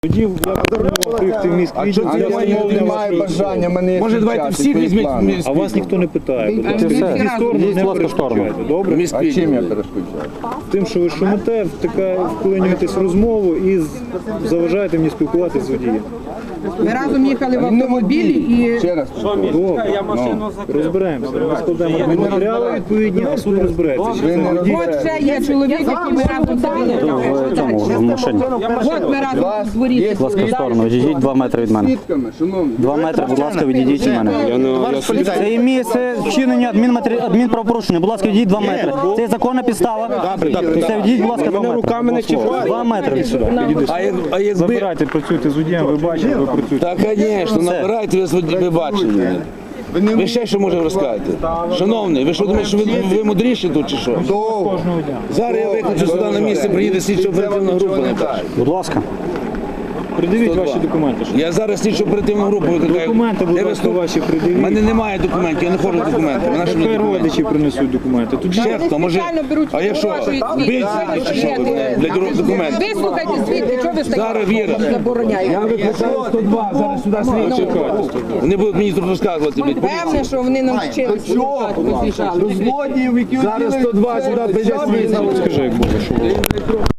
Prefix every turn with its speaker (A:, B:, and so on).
A: Тоді я пропонував в міськ відділ.
B: Немає бажання мене.
C: Може, давайте всі візьміть.
A: А вас ніхто не питає. Будь ласка,
D: все.
A: в сторону
D: Йдіть,
A: не
D: будь ласка, в сторону.
A: перешкоджайте. Добре?
B: А чим я перешкоджаю?
A: Тим, що ви шумите, вклинюєтесь в розмову і заважаєте мені спілкуватися з водієм.
E: Ми разом їхали в автомобілі і
B: Ще раз.
A: Добре, розберемося. Ми складемо матеріали відповідні, а суд розбереться.
B: Ви не
E: от
B: розберете.
E: ще є чоловік, який ми разом
D: В цьому, в машині.
E: От ми разом у дворі.
D: Будь ласка, в сторону, відійдіть 2 метри від мене.
B: Свідками, шановні.
D: 2 метри, будь ласка, відійдіть від мене. Це є місце вчинення адмінправопорушення. Будь ласка, відійдіть 2 метри. Це є законна підстава. Це відійдіть, будь ласка, 2 метри.
C: руками не чіпайте.
D: 2 метри.
C: А якби...
A: Забирайте, працюйте з водієм, ви бачите, ви працюєте.
C: Так, звісно, набирайте, ви бачили. Ви ще що можете розказати? Шановний, ви що думаєте, що ви мудріші тут чи що? Зараз я викличу сюди на місце, приїде слідчо оперативна група.
D: Будь ласка.
A: Придивіть ваші документи.
C: Я зараз слідчо оперативну групу викликаю.
A: Документи, будь
C: Де ви
A: ласка,
C: сто-
A: ваші
C: У
A: придивіть.
C: мене немає документів, я не ходжу з документами. Наші
A: Тепер
C: документи.
A: родичі принесуть документи. Тоді
C: Ще хто, може,
E: спеціально беруть
C: а якщо
E: фотографію,
C: бить чи що для документів?
E: Вислухайте звідти, чого ви
C: Зараз Віра.
E: стоїте, забороняєте.
C: Я викликаю 102, зараз сюди слідчо. Вони будуть мені тут розказувати, блядь,
E: Певне,
C: поліція.
E: що вони нам вчилися.
B: Злодіїв, які
C: Зараз 102 сюди прийде слідчо.
A: скажи, як було, що було.